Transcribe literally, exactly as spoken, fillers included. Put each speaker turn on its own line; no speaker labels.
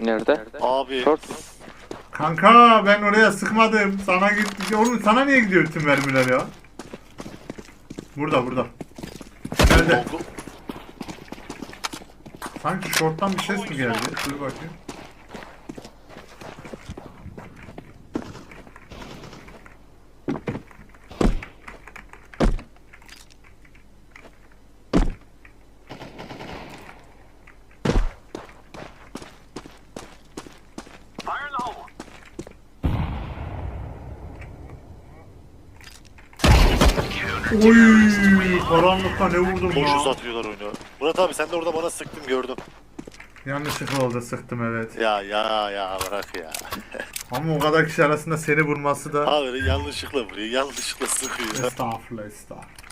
Nerede?
Abi.
Short.
Kanka ben oraya sıkmadım. Sana gitti. Oğlum sana niye gidiyor tüm mermiler ya? Burada burada. Nerede?
Longu-
Sanki short'tan bir ses mi geldi? Dur bakayım. Oy, karanlıkta ne vurdum
Boş
ya.
uzatıyorlar oyunu. Murat abi sen de orada bana sıktın gördüm.
Yanlışlıkla oldu, sıktım evet.
Ya ya ya bırak ya.
Ama o kadar kişi arasında seni vurması da...
Abi yanlışlıkla vuruyor, yanlışlıkla sıkıyor.
Estağfurullah estağfurullah.